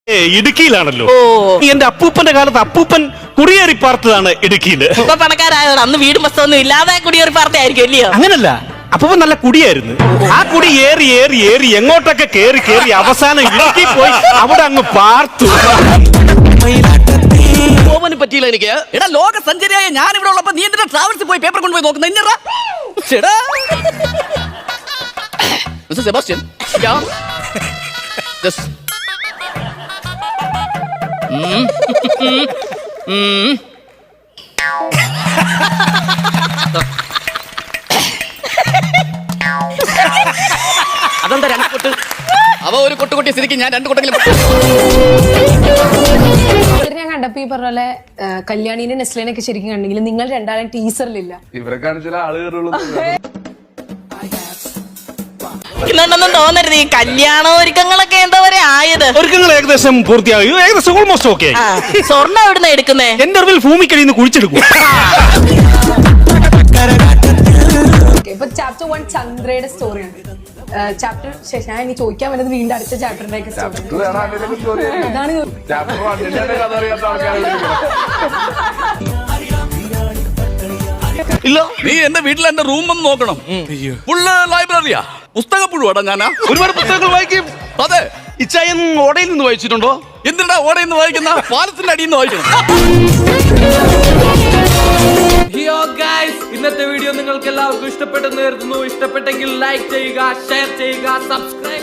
ഇടുക്കിയിലാണല്ലോ. എന്റെ അപ്പൂപ്പന്റെ കാലത്ത് അപ്പൂപ്പൻ കുടിയേറി പാർത്തതാണ് ഇടുക്കിയില്. ഇപ്പൊ പണക്കാരായതാണ്. അന്ന് വീടും പുസ്തകമൊന്നും ഇല്ലാതെ കുടിയേറി പാർത്തയായിരിക്കും അല്ലയോ? അങ്ങനല്ല, അപ്പൂപ്പൻ നല്ല കുടിയായിരുന്നു. ആ കുടി ഏറി ഏറി ഏറി എങ്ങോട്ടൊക്കെ കേറി കേറി അവസാനം ഇടുക്കി പോയി അവിടെ അങ്ങ് പാർത്തു. പോവാനും പറ്റിയില്ല എനിക്ക്. എടാ, ലോക സഞ്ചരിയായ ഞാൻ ഇവിടെ ഉള്ളപ്പോ നീ എന്തിനാ ട്രാവൽസിൽ പോയി പേപ്പർ കൊണ്ടുപോയി നോക്കുന്നത്? ഇന്നടാ മിസ്റ്റർ സെബാസ്റ്റ്യൻ, അതെന്താ രണ്ട് കൊട്ട്? അവ ഒരു കൊട്ട് കൊട്ടിയ സ്ഥിതിക്ക് ഞാൻ രണ്ട് കൊട്ടെങ്കിലും ഞാൻ കണ്ടപ്പോ ഈ പറഞ്ഞ പോലെ കല്യാണിനെ നെസ്ലിനൊക്കെ ശരിക്കും കണ്ടെങ്കിൽ നിങ്ങൾ രണ്ടാളും ടീസറിലില്ല. ഇവരെ കാണിച്ചാൽ ആളുകളുള്ളൂ. ഇന്നുണ്ടെന്നും തോന്നരുത്. ഈ കല്യാണ ഒരുക്കങ്ങളൊക്കെ എന്താ പറയാ ആയത്? ഒരുക്കങ്ങൾ ഏകദേശം പൂർത്തിയായി, ഏകദേശം ഓൾമോസ്റ്റ് ഓക്കെ. സ്വർണ്ണം എവിടുന്ന എടുക്കുന്നേ? എന്റെ അറിവിൽ ഭൂമിക്കടിയിൽ നിന്ന് കുഴിച്ചെടുക്കും. ഇപ്പൊ ചാപ്റ്റർ 1 ചന്ദ്രയുടെ സ്റ്റോറിയാണ്. ചാപ്റ്റർ ശേഷം ഞാൻ ഇനി ചോദിക്കാൻ വരുന്നത് വീണ്ടും അടുത്ത ചാപ്റ്ററിന്റെ സ്റ്റോറി. അതാണ് ഇല്ല, നീ എന്റെ വീട്ടിൽ എന്റെ റൂം ഒന്ന് നോക്കണം. ഫുള്ള് ലൈബ്രറിയാ, പുസ്തക പുഴുവാടാ ഞാനാ. ഒരുപാട് പുസ്തകങ്ങൾ വായിക്കും. അതെ, ഇച്ചായൻ ഓടയിൽ നിന്ന് വായിച്ചിട്ടുണ്ടോ? എന്തിനാ ഓടയിൽ നിന്ന് വായിക്കുന്ന? പാലത്തിന്റെ അടിയിൽ നിന്ന് വായിക്കണം. ഇന്നത്തെ വീഡിയോ നിങ്ങൾക്ക് എല്ലാവർക്കും ഇഷ്ടപ്പെട്ടെന്ന് കരുതുന്നു. ഇഷ്ടപ്പെട്ടെങ്കിൽ ലൈക്ക് ചെയ്യുക, ഷെയർ ചെയ്യുക, സബ്സ്ക്രൈബ്